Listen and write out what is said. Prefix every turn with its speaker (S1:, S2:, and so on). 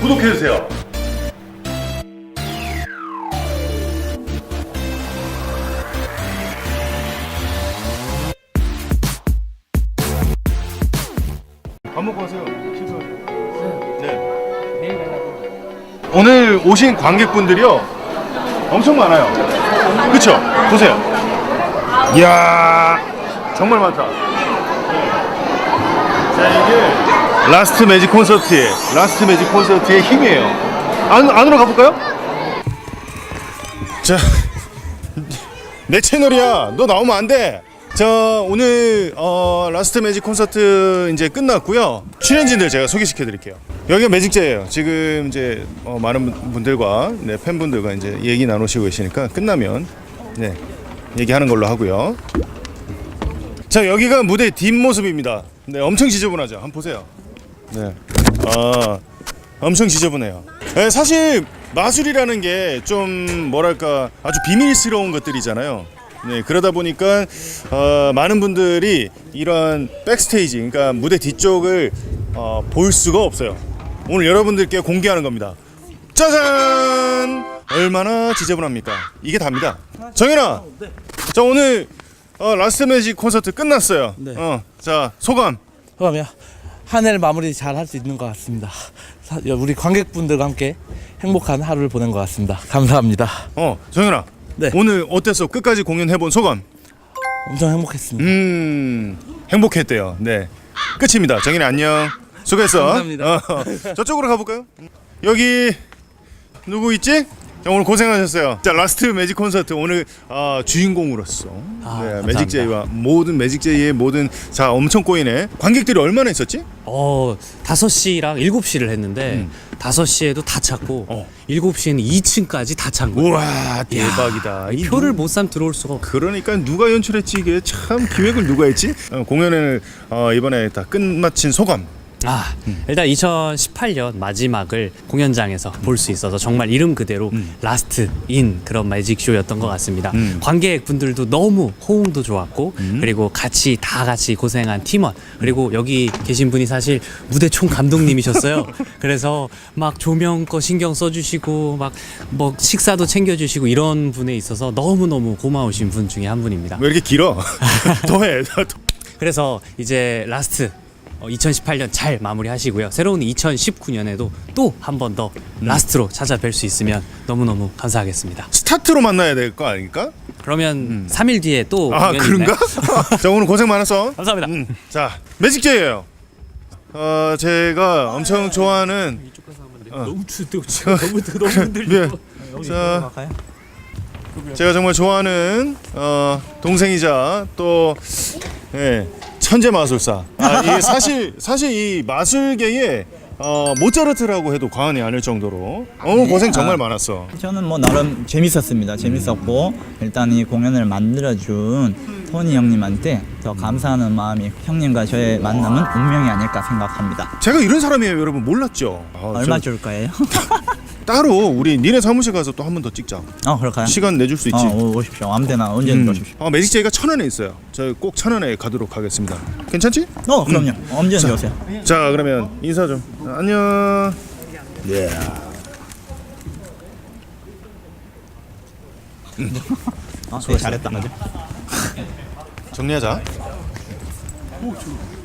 S1: 구독해주세요. 밥 먹고 가세요. 식사하세요. 네.
S2: 내일 가려고.
S1: 오늘 오신 관객분들이요 엄청 많아요. 그쵸? 보세요. 이야, 정말 많다. 네. 자, 이게 라스트 매직 콘서트의 힘이에요. 안으로 가볼까요? 자, 내 채널이야. 너 나오면 안 돼. 자, 오늘 라스트 매직 콘서트 이제 끝났고요. 출연진들 제가 소개시켜 드릴게요. 여기가 매직제예요. 지금 이제 많은 분들과 네, 팬분들과 이제 얘기 나누시고 계시니까 끝나면 네, 얘기하는 걸로 하고요. 자, 여기가 무대 뒷모습입니다. 네, 엄청 지저분하죠. 한번 보세요. 네, 엄청 지저분해요. 네, 사실 마술이라는 게 좀 뭐랄까 아주 비밀스러운 것들이잖아요. 네, 그러다 보니까 많은 분들이 이런 백스테이지, 그러니까 무대 뒤쪽을 볼 수가 없어요. 오늘 여러분들께 공개하는 겁니다. 짜잔! 얼마나 지저분합니까? 이게 답니다. 정현아, 자, 오늘 라스트 매직 콘서트 끝났어요.
S2: 네.
S1: 자, 소감.
S2: 그러면 한 해를 마무리 잘 할 수 있는 것 같습니다. 우리 관객분들과 함께 행복한 하루를 보낸 것 같습니다. 감사합니다.
S1: 정현아.
S2: 네.
S1: 오늘 어땠어? 끝까지 공연해본 소감?
S2: 엄청 행복했습니다.
S1: 행복했대요. 네, 끝입니다. 정현이 안녕. 수고했어.
S2: 감사합니다.
S1: 저쪽으로 가볼까요? 여기 누구 있지? 자, 오늘 고생하셨어요. 자, 라스트 매직 콘서트 오늘 주인공으로서 네, 매직제이와 모든 매직제이의 모든 자 엄청 꼬이네. 관객들이 얼마나 있었지?
S3: 5시랑 7시를 했는데 5시에도 다 찼고 7시에는 2층까지 다 찬 거예요.
S1: 우와, 대박이다. 이
S3: 표를 못 사면 들어올 수가 없어.
S1: 그러니까 누가 연출했지 이게 참 기획을 누가 했지? 공연을 이번에 다 끝마친 소감.
S3: 일단 2018년 마지막을 공연장에서 볼 수 있어서 정말 이름 그대로 라스트인 그런 매직쇼였던 것 같습니다. 관객분들도 너무 호응도 좋았고 그리고 다 같이 고생한 팀원 그리고 여기 계신 분이 사실 무대 총 감독님이셨어요. 그래서 막 조명 거 신경 써주시고 막 뭐 식사도 챙겨주시고 이런 분에 있어서 너무너무 고마우신 분 중에 한 분입니다.
S1: 왜 이렇게 길어? 더해.
S3: 그래서 이제 라스트 2018년 잘 마무리하시고요. 새로운 2019년에도 또 한 번 더 라스트로 찾아뵐 수 있으면 너무너무 감사하겠습니다.
S1: 스타트로 만나야 될 거 아닙니까?
S3: 그러면 3일 뒤에 또 공연이
S1: 그런가?
S3: 있나요?
S1: 자, 오늘 고생 많았어.
S3: 감사합니다.
S1: 자, 매직제이예요. 제가 엄청 좋아하는
S2: 너무 추워. 너무
S1: 흔들려. 자, 제가 정말 좋아하는 동생이자 또 천재 마술사. 이게 사실 이 마술계에 모차르트라고 해도 과언이 아닐 정도로 고생 정말 많았어.
S4: 저는 뭐 나름 재밌었습니다. 재밌었고 일단 이 공연을 만들어준 토니 형님한테 더 감사하는 마음이 형님과 저의 만남은 운명이 아닐까 생각합니다.
S1: 제가 이런 사람이에요, 여러분. 몰랐죠?
S4: 얼마 줄 거예요?
S1: 따로 우리 니네 사무실 가서 또 한 번 더 찍자.
S4: 그럴까요?
S1: 시간 내줄 수 있지?
S4: 오십시오. 아무데나 언제든 오십시오.
S1: 매직제이가 1000원에 있어요. 저 꼭 1000원에 가도록 하겠습니다. 괜찮지?
S4: 그럼요. 언제든 오세요.
S1: 자, 그러면 인사 좀. 안녕. 네.
S4: 되게 잘했다.
S1: 정리하자.